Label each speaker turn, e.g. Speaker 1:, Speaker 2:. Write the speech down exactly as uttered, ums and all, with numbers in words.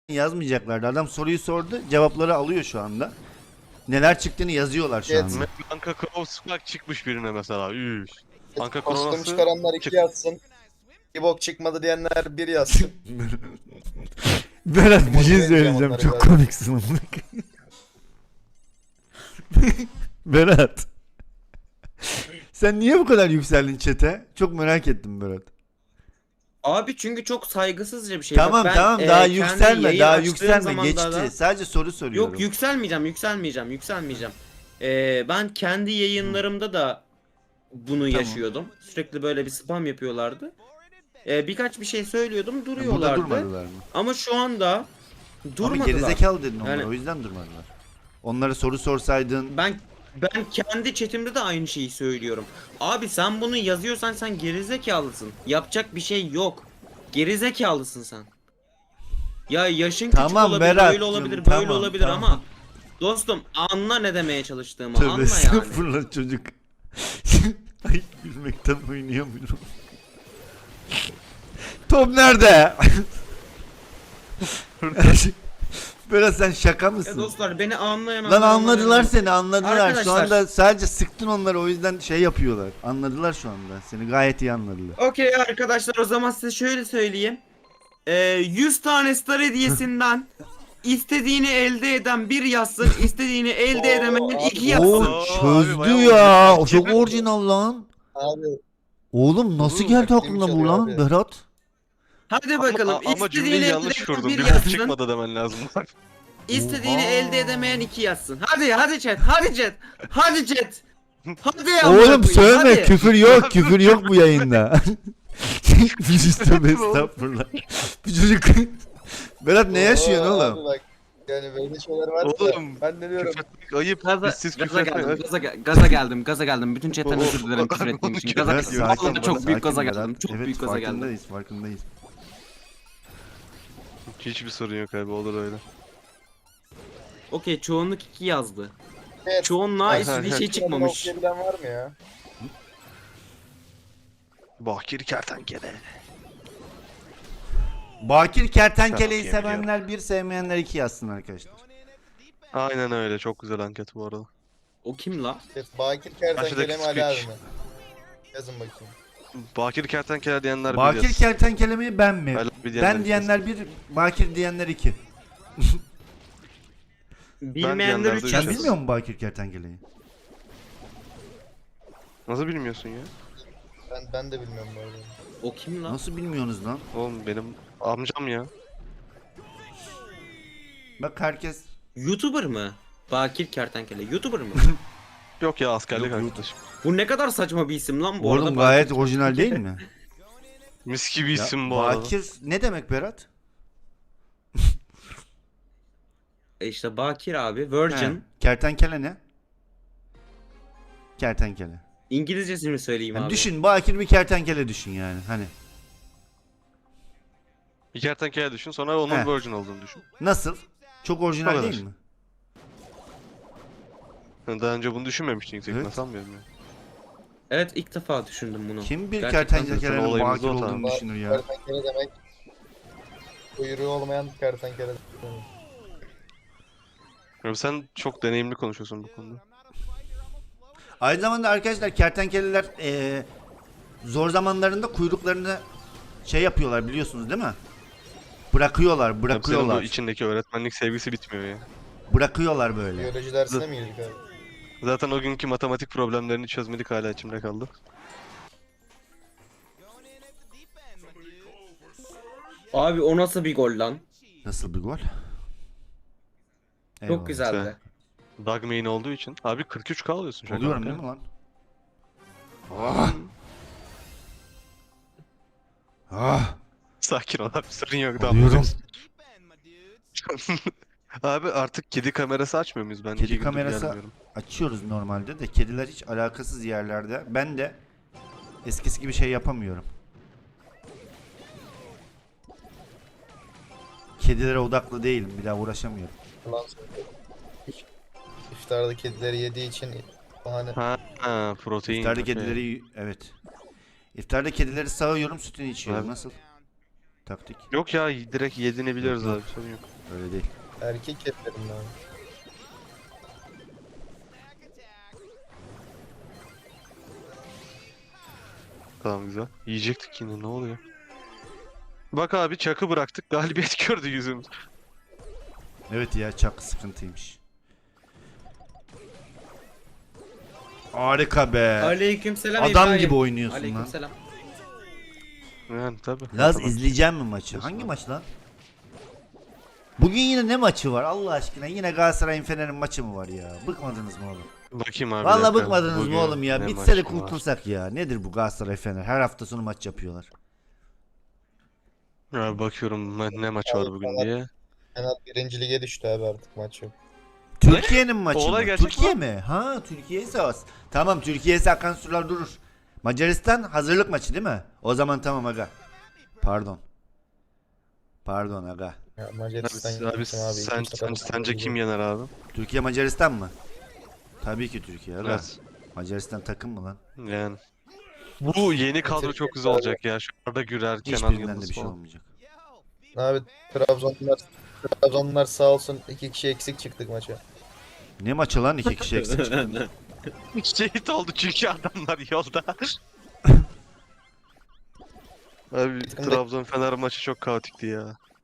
Speaker 1: yazmayacaklardı. Adam soruyu sordu, cevapları alıyor şu anda. Neler çıktığını yazıyorlar şu
Speaker 2: Evet.
Speaker 1: anda.
Speaker 3: Anka Kronos'mak çıkmış birine mesela. Üf. Anka
Speaker 2: Kostüm
Speaker 3: Kronos'u
Speaker 2: çıkaranlar iki
Speaker 3: çık-
Speaker 2: yazsın. Bir bok çıkmadı diyenler bir yazsın.
Speaker 1: Berat bir şey
Speaker 2: Motive
Speaker 1: söyleyeceğim.
Speaker 2: edeceğim
Speaker 1: Çok
Speaker 2: onları
Speaker 1: komiksin amına koyayım. Berat. Sen niye bu kadar yükseldin chat'e? Çok merak ettim Berat.
Speaker 4: Abi çünkü çok saygısızca bir şey. Bak
Speaker 1: Tamam
Speaker 4: ben,
Speaker 1: tamam
Speaker 4: e,
Speaker 1: daha
Speaker 4: kendi
Speaker 1: yükselme,
Speaker 4: yayın
Speaker 1: daha
Speaker 4: açtığım
Speaker 1: yükselme.
Speaker 4: zamanlarda-
Speaker 1: Geçti. Sadece soru soruyorum.
Speaker 4: Yok yükselmeyeceğim, yükselmeyeceğim, yükselmeyeceğim. Ee, ben kendi yayınlarımda da bunu
Speaker 1: Tamam.
Speaker 4: yaşıyordum. Sürekli böyle bir spam yapıyorlardı. Ee, birkaç bir şey söylüyordum,
Speaker 1: Burada
Speaker 4: duruyorlardı.
Speaker 1: durmadılar mı?
Speaker 4: Ama şu anda
Speaker 1: Ama
Speaker 4: durmadılar.
Speaker 1: gerizekalı dedin onlara,
Speaker 4: Yani-
Speaker 1: o yüzden durmadılar. Onlara soru sorsaydın.
Speaker 4: Ben ben kendi chatimde de aynı şeyi söylüyorum. Abi sen bunu yazıyorsan sen gerizekalısın. Yapacak bir şey yok. Gerizekalısın sen. Ya yaşın
Speaker 1: Tamam,
Speaker 4: küçük olabilir,
Speaker 1: Berat'cığım,
Speaker 4: böyle olabilir, böyle
Speaker 1: tamam,
Speaker 4: olabilir
Speaker 1: tamam.
Speaker 4: ama dostum anla ne demeye çalıştığımı,
Speaker 1: Tövbe
Speaker 4: anla yani.
Speaker 1: estağfurullah çocuk. Ay gülmekten oynayamıyorum. Top nerede? Böyle sen şaka
Speaker 4: Ya
Speaker 1: mısın?
Speaker 4: dostlar beni anlayan
Speaker 1: Lan
Speaker 4: anlayan
Speaker 1: anladılar
Speaker 4: anlayan.
Speaker 1: seni, anladılar. Şu
Speaker 4: Arkadaşlar-
Speaker 1: anda sadece sıktın onları, o yüzden şey yapıyorlar. Anladılar şu anda. Seni gayet iyi anladılar.
Speaker 4: Okey arkadaşlar, o zaman size şöyle söyleyeyim. Ee, yüz tane star hediyesinden istediğini elde eden bir yazsın, istediğini elde
Speaker 2: Oo,
Speaker 4: edemeyen
Speaker 2: abi.
Speaker 4: iki yazsın.
Speaker 1: Oo
Speaker 3: abi,
Speaker 1: çözdü
Speaker 3: bayağı
Speaker 1: ya. O
Speaker 3: olmuş.
Speaker 1: çok orijinal lan.
Speaker 2: Abi
Speaker 1: Oğlum nasıl
Speaker 3: Oğlum,
Speaker 1: geldi
Speaker 2: taktiğimi
Speaker 1: aklına bu
Speaker 2: çalıyor
Speaker 1: lan
Speaker 2: abi.
Speaker 1: Berat?
Speaker 4: Hadi bakalım,
Speaker 3: Ama, ama
Speaker 4: istediğini
Speaker 3: cümleyi
Speaker 4: elde
Speaker 3: yanlış
Speaker 4: eden
Speaker 3: kurdum.
Speaker 4: bir
Speaker 3: Bir bok
Speaker 4: yazsın.
Speaker 3: çıkmadı demen lazım.
Speaker 4: İstediğini
Speaker 1: Oha.
Speaker 4: elde edemeyen iki yazsın. Hadi hadi chat, hadi chat. Hadi chat. Hadi ya.
Speaker 1: Oğlum söyleme,
Speaker 4: hadi.
Speaker 1: küfür yok, küfür yok bu yayında. Biz tövbe estağfurullah. Bu çocuk Berat ne yaşıyorsun
Speaker 2: Oo,
Speaker 1: oğlum?
Speaker 2: abi bak, yani böyle şeyler var
Speaker 3: Oğlum,
Speaker 2: da ben ne diyorum?
Speaker 3: Küfretmek ayıp.
Speaker 4: Gaza,
Speaker 3: Biz siz
Speaker 4: gaza
Speaker 3: küfretmeyin.
Speaker 4: geldim, gaza, ge- gaza geldim, gaza geldim. Bütün chatten
Speaker 3: O-
Speaker 4: özür dilerim
Speaker 3: o-
Speaker 4: küfür ettiğim için.
Speaker 3: o-
Speaker 4: Gaza
Speaker 1: Berat
Speaker 4: geldim.
Speaker 1: sakin,
Speaker 4: Vallahi çok
Speaker 1: Berat,
Speaker 4: büyük gaza
Speaker 1: sakin
Speaker 4: geldim.
Speaker 1: Berat.
Speaker 4: Çok
Speaker 1: Evet,
Speaker 4: büyük gaza geldim.
Speaker 1: farkındayız, farkındayız.
Speaker 3: Hiçbir sorun yok abi, olur öyle.
Speaker 4: Okey, çoğunluk iki yazdı.
Speaker 2: Evet.
Speaker 4: Çoğunluğa
Speaker 3: Aha,
Speaker 4: istediği
Speaker 3: aha.
Speaker 4: şey çıkmamış.
Speaker 2: Okuyabilen var mı ya?
Speaker 3: Bakir kertenkele.
Speaker 1: Bakir Kertenkele'yi
Speaker 3: Çok iyi
Speaker 1: sevenler bir, sevmeyenler iki yazsın arkadaşlar.
Speaker 3: Aynen öyle, çok güzel anket bu arada.
Speaker 4: O kim la?
Speaker 2: Evet, Bakir Kertenkele mi Ali abi
Speaker 3: speech.
Speaker 2: mi? Yazın bakayım.
Speaker 3: Bakir kertenkele diyenler bir
Speaker 1: Bakir
Speaker 3: yaz.
Speaker 1: Kertenkele mi ben mi?
Speaker 3: Ali abi diyenler
Speaker 1: Ben
Speaker 3: iki
Speaker 1: diyenler bir, Bakir diyenler iki.
Speaker 4: Bilmeyenler
Speaker 3: diyenler de
Speaker 4: üç
Speaker 3: üç
Speaker 1: Sen
Speaker 4: yazsın.
Speaker 3: yaz.
Speaker 1: bilmiyor musun Bakir Kertenkele'yi?
Speaker 3: Nasıl bilmiyorsun ya?
Speaker 2: Ben ben de bilmiyorum bu arada.
Speaker 4: O kim la?
Speaker 1: Nasıl bilmiyorsunuz lan?
Speaker 3: Oğlum benim amcam ya.
Speaker 1: Bak herkes
Speaker 4: YouTuber mı? Bakir Kertenkele. YouTuber mı?
Speaker 3: Yok ya, askerlik
Speaker 1: Yok, yok.
Speaker 3: arkadaşım.
Speaker 4: Bu ne kadar saçma bir isim lan bu arada.
Speaker 1: oğlum
Speaker 4: Bakir
Speaker 1: gayet
Speaker 4: Kertenkele.
Speaker 1: orijinal değil mi?
Speaker 3: Mis gibi
Speaker 1: Ya,
Speaker 3: isim bu arada.
Speaker 1: Bakir ne demek Berat?
Speaker 4: E işte Bakir abi.
Speaker 1: He,
Speaker 4: Virgin.
Speaker 1: kertenkele ne? Kertenkele.
Speaker 4: İngilizcesini söyleyeyim
Speaker 1: Yani
Speaker 4: abi.
Speaker 1: düşün, Bakir bir kertenkele düşün yani hani.
Speaker 3: Bir kertenkele düşün, sonra onun
Speaker 1: He.
Speaker 3: virgin olduğunu düşün.
Speaker 1: Nasıl? Çok
Speaker 3: O
Speaker 1: orijinal
Speaker 3: kadar.
Speaker 1: değil mi?
Speaker 3: Yani daha önce bunu düşünmemiştin yüksek
Speaker 1: Evet.
Speaker 3: evet. sanmıyorum ya.
Speaker 4: Evet, ilk defa düşündüm bunu.
Speaker 1: Kim bir
Speaker 4: Gerçekten
Speaker 3: zaten
Speaker 1: kertenkelenin
Speaker 3: olayımız
Speaker 1: Bakir
Speaker 3: o
Speaker 1: olduğunu
Speaker 3: tamam.
Speaker 1: düşünür ya?
Speaker 2: Kertenkele demek kuyruğu olmayan kertenkele demek.
Speaker 3: Ya sen çok deneyimli konuşuyorsun bu konuda.
Speaker 1: Aynı zamanda arkadaşlar kertenkeleler eee, zor zamanlarında kuyruklarını şey yapıyorlar biliyorsunuz değil mi? Bırakıyorlar,
Speaker 3: Tabii senin bu
Speaker 1: bırakıyorlar.
Speaker 3: içindeki öğretmenlik sevgisi bitmiyor ya.
Speaker 1: Bırakıyorlar böyle.
Speaker 2: Biyoloji dersine mi girdik abi?
Speaker 3: Zaten o günkü matematik problemlerini çözmedik, hala içimde kaldı.
Speaker 4: Abi o nasıl bir gol lan?
Speaker 1: Nasıl bir gol?
Speaker 4: Çok
Speaker 1: Eyvallah.
Speaker 4: güzeldi.
Speaker 3: Dog main olduğu için. Abi kırk üç K alıyorsun şaka
Speaker 1: Oluyorum
Speaker 3: bak
Speaker 1: değil
Speaker 3: ya.
Speaker 1: mi lan? Ah! Ah!
Speaker 3: Sakin ol abi, sorun yok.
Speaker 1: Oluyorum.
Speaker 3: Abi artık kedi kamerası açmıyor muyuz? Ben
Speaker 1: Kedi
Speaker 3: iki gündür
Speaker 1: kamerası-
Speaker 3: gelmiyorum.
Speaker 1: Açıyoruz normalde de kediler hiç alakasız yerlerde. Ben de eskisi gibi şey yapamıyorum. Kedilere odaklı değilim. Bir daha uğraşamıyorum.
Speaker 2: Ulan söylüyorum. İftarda kedileri yediği için bahane.
Speaker 3: Ha, ha protein.
Speaker 1: İftarda
Speaker 3: okey.
Speaker 1: kedileri evet. İftarda kedileri sağıyorum, sütünü içiyorum.
Speaker 3: Evet.
Speaker 1: Nasıl? taktik.
Speaker 3: Yok ya direkt yediğini biliyoruz abi sorun yok.
Speaker 1: Öyle değil.
Speaker 2: Erkek ketlerim abi.
Speaker 3: Tamam güzel. Yiyecektik yine ne oluyor? Bak abi çakı bıraktık galibiyet gördü yüzümüz.
Speaker 1: Evet ya çok sıkıntıymış. Harika be.
Speaker 4: Aleykümselam
Speaker 1: Adam
Speaker 4: İbrahim.
Speaker 1: gibi oynuyorsun lan.
Speaker 4: Aleykümselam.
Speaker 3: Yani tabi.
Speaker 1: Laz izleyeceğim mi maçı? Hangi maç lan? Bugün yine ne maçı var Allah aşkına? Yine Galatasaray'ın Fener'in maçı mı var ya? Bıkmadınız mı oğlum?
Speaker 3: Bakayım abi. bir
Speaker 1: Vallahi
Speaker 3: dakika.
Speaker 1: bıkmadınız
Speaker 3: Bugün
Speaker 1: mı oğlum ya?
Speaker 3: ne
Speaker 1: Bitse de
Speaker 3: maçı var?
Speaker 1: kurtulsak ya. Nedir bu Galatasaray Fener? Her hafta sonu maç yapıyorlar.
Speaker 3: Ya bakıyorum ne ne maç var bugün diye.
Speaker 2: Fenat birinci lige düştü abi, artık maç yok.
Speaker 1: Türkiye'nin maçı
Speaker 3: Olay
Speaker 1: mı?
Speaker 3: gerçek
Speaker 1: Türkiye
Speaker 3: mi?
Speaker 1: mi? Ha Türkiye ise az. Tamam Türkiye ise akan sular durur. Macaristan hazırlık maçı değil mi? O zaman tamam aga. Pardon. Pardon aga.
Speaker 2: Ya
Speaker 3: Abi,
Speaker 2: Macaristan
Speaker 3: abi,
Speaker 2: abi,
Speaker 3: sen, sen, sence kim yener abi?
Speaker 1: Türkiye Macaristan mı? Tabii ki Türkiye aga.
Speaker 3: Evet.
Speaker 1: Macaristan takım mı lan?
Speaker 3: Yani. Bu yeni kadro çok güzel olacak ya. Şu Arda Gürer, Kenan
Speaker 1: Hiçbirinden de
Speaker 3: Yıldız
Speaker 1: bir şey
Speaker 3: falan.
Speaker 1: olmayacak.
Speaker 2: Abi Trabzonlar Trabzonlar sağ olsun iki kişi eksik çıktık maça.
Speaker 1: Ne maçı lan iki kişi eksik çıktı.
Speaker 3: Şehit oldu çünkü adamlar yolda. Abi
Speaker 2: Takımda-
Speaker 3: Trabzon Fener maçı çok kaotikti ya.